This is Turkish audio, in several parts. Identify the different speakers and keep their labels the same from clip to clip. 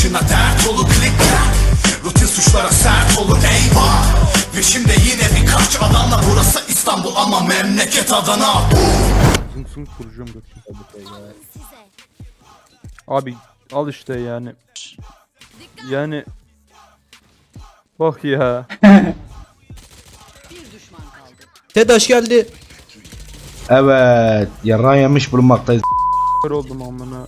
Speaker 1: başına dert olur klikler. Rutin suçlara sert olur eyvah. Peşimde yine birkaç adamla, burası İstanbul ama memleket Adana.
Speaker 2: Zınk zınk kuracağım götürüm. Abi al işte yani. Yani bak ya.
Speaker 3: TEDAŞ geldi.
Speaker 4: Evet, yarrağı yemiş bulunmaktayız.
Speaker 2: Kör oldum amına.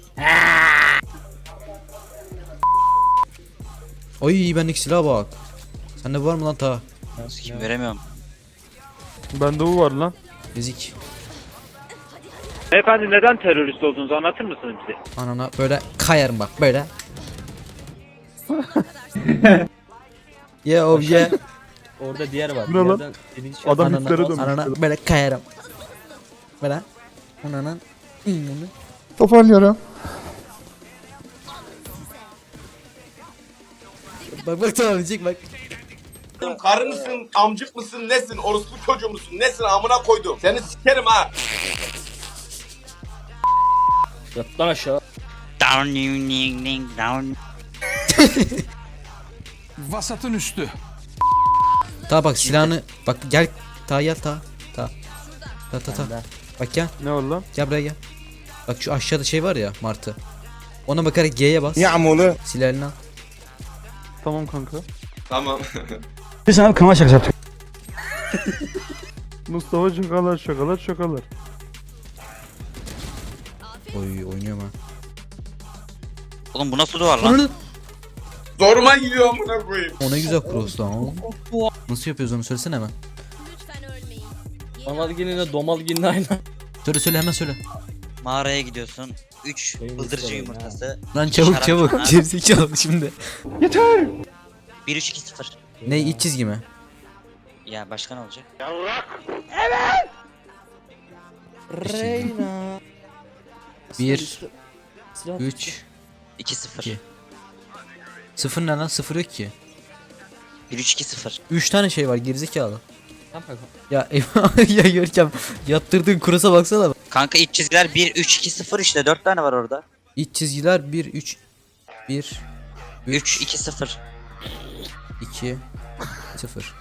Speaker 3: Ay bendeki silaha bak. Sende var mı lan ta?
Speaker 5: Kim veremiyorum.
Speaker 2: Bende bu var lan.
Speaker 3: Ezik.
Speaker 6: Beyefendi neden terörist olduğunuzu anlatır mısınız bize?
Speaker 3: Anana böyle kayarım bak böyle. Yeah oh yeah.
Speaker 7: Orada diğer var.
Speaker 2: Bu ne lan?
Speaker 7: Diğerden dediğin şey-
Speaker 2: Adam
Speaker 3: Anana,
Speaker 2: hitlere dönmüş.
Speaker 3: anana böyle kayarım. Böyle. Anana.
Speaker 2: Toparlıyorum.
Speaker 3: Bak bak tamam diyecek bak.
Speaker 8: Karı mısın, amcık mısın, nesin, orospu çocuğu musun, nesin amına koydum. Seni sikerim ha.
Speaker 7: Yat lan aşağı.
Speaker 5: Down ding ding down.
Speaker 1: Vasatın üstü.
Speaker 3: Ta bak silahını bak gel ta gel ta. Ta. Ta. Bak gel.
Speaker 2: Ne var lan?
Speaker 3: Gel buraya gel. Bak şu aşağıda şey var ya martı. Ona bakarak G'ye bas.
Speaker 4: Yağmurlu.
Speaker 3: Silahını al.
Speaker 2: Tamam kanka.
Speaker 8: Tamam.
Speaker 7: Biz sana kanal şakası yaptık.
Speaker 2: Mustafa şakalar şakalar şakalar.
Speaker 3: Oy oynuyorum ha.
Speaker 5: Oğlum bu nasıl duvar lan?
Speaker 3: Ananı.
Speaker 8: Zoruma gidiyor amına koyayım.
Speaker 3: O ne güzel cross lan. Nasıl yapıyoruz onu söylesene hemen.
Speaker 7: Analgin'le Domalgin'le aynı.
Speaker 3: Söyle hemen söyle.
Speaker 5: Mağaraya gidiyorsun. 3
Speaker 7: Benim
Speaker 5: bıldırcın
Speaker 7: isterim
Speaker 5: yumurtası.
Speaker 3: Lan
Speaker 5: iki
Speaker 3: çabuk
Speaker 5: şarap
Speaker 3: çabuk.
Speaker 5: çanağı,
Speaker 3: Gerizekalı şimdi.
Speaker 5: 1-3-2-0.
Speaker 3: Ne iç çizgi mi?
Speaker 5: Ya başka ne olacak?
Speaker 3: Reyna. 1 3
Speaker 5: 2-0.
Speaker 3: İki. 0 ne lan? 0 yok ki.
Speaker 5: 1-3-2-0.
Speaker 3: 3 tane şey var gerizekalı.
Speaker 7: Tamam kanka.
Speaker 3: Ya eyvah ya Görkem yaptırdığın kurasa baksana.
Speaker 5: Kanka iç çizgiler 1-3-2-0 işte 4 tane var orada.
Speaker 3: İç çizgiler 1 3 1
Speaker 5: 3-2-0.
Speaker 3: 2 0.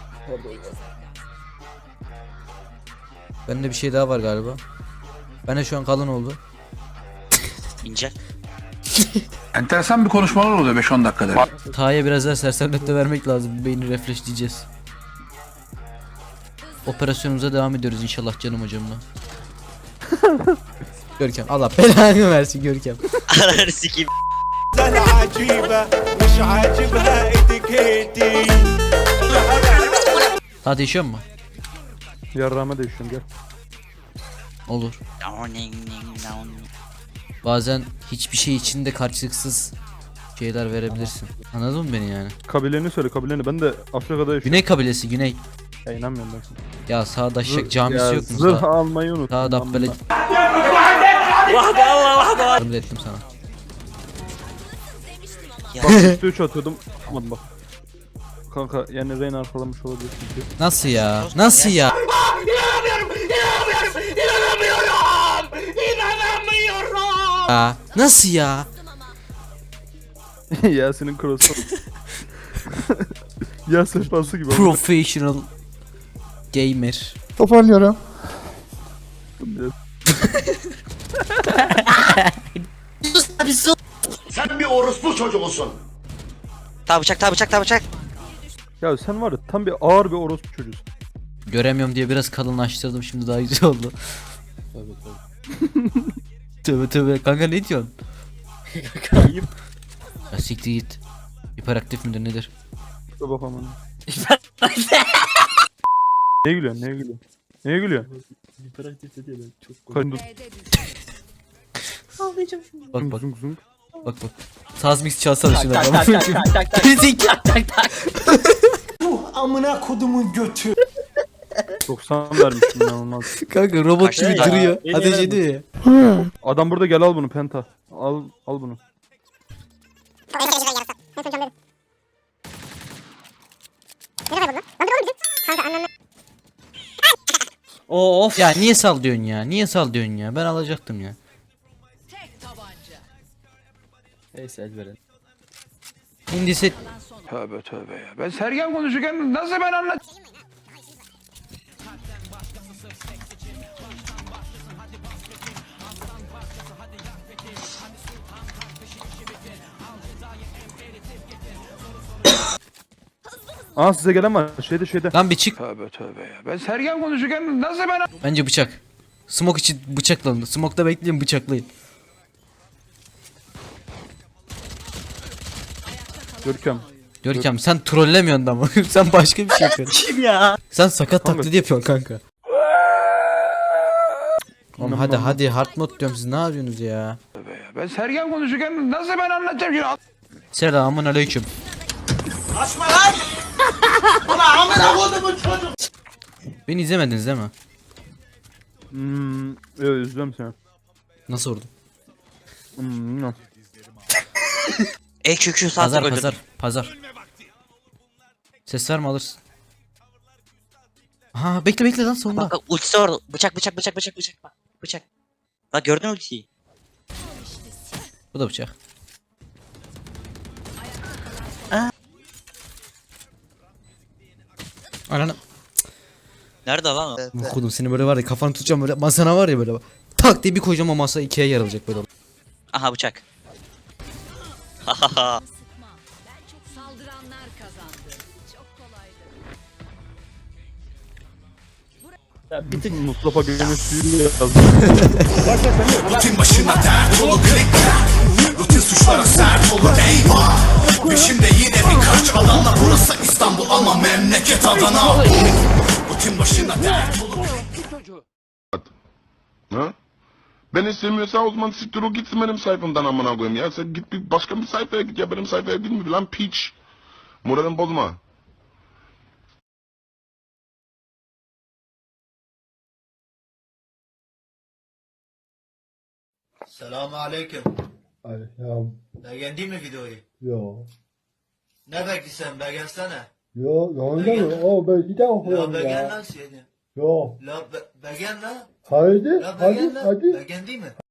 Speaker 3: Bende bir şey daha var galiba. Bende şu an kalın oldu.
Speaker 5: İnce.
Speaker 1: Enteresan bir konuşmalar oluyor 5-10 dakikada.
Speaker 3: Ta'ya biraz daha sersemletme vermek lazım. Beyni refleksleyeceğiz. Operasyonumuza devam ediyoruz inşallah canım hocamla. Görkem Allah belanı versin Görkem.
Speaker 5: Ananı sikeyim.
Speaker 3: Daha değişiyor mu?
Speaker 2: Yarrağıma değişiyorum gel.
Speaker 3: Olur.
Speaker 5: Down ding ding down.
Speaker 3: Bazen hiçbir şey içinde karşılıksız şeyler verebilirsin. Anladın mı beni yani?
Speaker 2: Kabileni söyle kabileni. Ben de Afrika'da yaşıyorum.
Speaker 3: Güney kabilesi Güney.
Speaker 2: Ya inanmıyorum ben sana.
Speaker 3: Ya sağda şak camisi
Speaker 2: Ya
Speaker 3: yok mu?
Speaker 2: zırh almayı unuttum.
Speaker 3: Sağda böyle. Yardım ettim sana.
Speaker 2: Bak üstü 3 atıyordum. Tutmadım bak. Kanka yani Reyna arkalamış olabilir çünkü.
Speaker 3: Nasıl ya? Nasıl ya? Aa, nasıl ya?
Speaker 2: Yasin'in cross'u. Ya sefası gibi.
Speaker 3: Professional gamer.
Speaker 2: Toparlıyorum.
Speaker 8: Sen bir orospu çocuğusun.
Speaker 5: Ta bıçak ta bıçak ta bıçak.
Speaker 2: Ya sen var ya tam bir ağır bir orospu çocuğusun.
Speaker 3: Göremiyorum diye biraz kalınlaştırdım şimdi daha güzel oldu. Tövbe tövbe kanka ne diyorsun?
Speaker 7: Kayıp.
Speaker 3: Ya siktir git. Hiperaktif midir nedir?
Speaker 2: Dur bakalım onu. Neye gülüyorsun? Neye gülüyorsun? Neye gülüyorsun?
Speaker 7: Hiperaktif dedi ya ben çok
Speaker 2: Karın dur.
Speaker 3: Bak bak
Speaker 2: Zung zung.
Speaker 3: bak bak. Saz mix çalsana şuna.
Speaker 7: tak tak tak tak tak.
Speaker 3: Gerizekalı.
Speaker 1: Amına kodumun götü.
Speaker 2: 90 vermiştim inanılmaz.
Speaker 3: Kanka robot
Speaker 5: Kaç
Speaker 3: gibi
Speaker 5: tane?
Speaker 3: duruyor.
Speaker 7: Beni
Speaker 3: Ateş
Speaker 7: yarar
Speaker 3: ediyor ya.
Speaker 2: Adam burada gel al bunu penta. Al bunu.
Speaker 7: Of.
Speaker 3: Ya niye sal diyorsun ya? Niye sal diyorsun ya? Ben alacaktım ya.
Speaker 7: Neyse el verelim.
Speaker 3: İndisi
Speaker 9: Tövbe tövbe ya. Ben Sergen konuşurken nasıl ben anlat?
Speaker 2: Aa size gelen var. Şeyde.
Speaker 3: lan bir çık.
Speaker 9: Tövbe tövbe ya. Ben Sergen konuşurken nasıl ben
Speaker 3: Bence bıçak. Smoke için bıçaklanın. Smoke'da bekleyin bıçaklayın.
Speaker 2: Görkem.
Speaker 3: Sen trollemiyorsun da mı? Sen başka bir şey yapıyorsun.
Speaker 7: Kim ya?
Speaker 3: Sen sakat
Speaker 2: Kanka.
Speaker 3: taklidi yapıyorsun kanka. Oğlum hadi hard mode diyorum siz ne yapıyorsunuz ya?
Speaker 9: ya? Ben Sergen konuşurken nasıl ben anlatacağım şimdi?
Speaker 3: Selamun aleyküm.
Speaker 8: Açma lan! Ulan amına kodumun çocuğu!
Speaker 3: Beni izlemediniz değil mi?
Speaker 2: Evet üzülüyorum seni.
Speaker 3: Nasıl vurdum?
Speaker 2: No.
Speaker 5: EQQ sağ tık öldürdüm.
Speaker 3: Pazar. Ses verme alırsın. Aha bekle lan sonunda.
Speaker 5: Bak ultisi var. Bıçak. Bak bıçak. Bak gördün mü ultiyi?
Speaker 3: Bu da bıçak. Ananı.
Speaker 5: Nerede lan o?
Speaker 3: Okudum seni böyle var ya kafanı tutacağım böyle masana var ya böyle. Tak diye bir koyacağım o masa ikiye yarılacak böyle.
Speaker 5: Aha bıçak. Hahaha.
Speaker 10: Saldıranlar kazandı. Çok kolaydı.
Speaker 7: Ya bir tık
Speaker 2: Mustafa Gönül suyu yazdı.
Speaker 1: Rutin başına dert olur klikler. Rutin suçlara sert olur eyvah. Peşimde yine birkaç adamla burası İstanbul ama memleket Adana. Rutin başına dert olur.
Speaker 11: Ha? Beni sevmiyorsan o zaman siktir o gitsin benim sayfamdan amına koyayım ya. Sen git bir başka bir sayfaya git ya benim sayfaya gitme lan piç. Moralimi bozma.
Speaker 1: Selamun aleyküm.
Speaker 4: Aleyküm.
Speaker 1: Beğendin mi videoyu?
Speaker 4: Yo.
Speaker 1: Ne bekliyorsun beğensene.
Speaker 4: Yo, yanında mı? O ben bir daha okuyorum
Speaker 1: Beğen
Speaker 4: ya.
Speaker 1: lan seni.
Speaker 4: Yo.
Speaker 1: La beğen lan.
Speaker 4: Haydi,
Speaker 1: La
Speaker 4: hadi,
Speaker 1: beğen lan.
Speaker 4: hadi.
Speaker 1: Beğendin mi?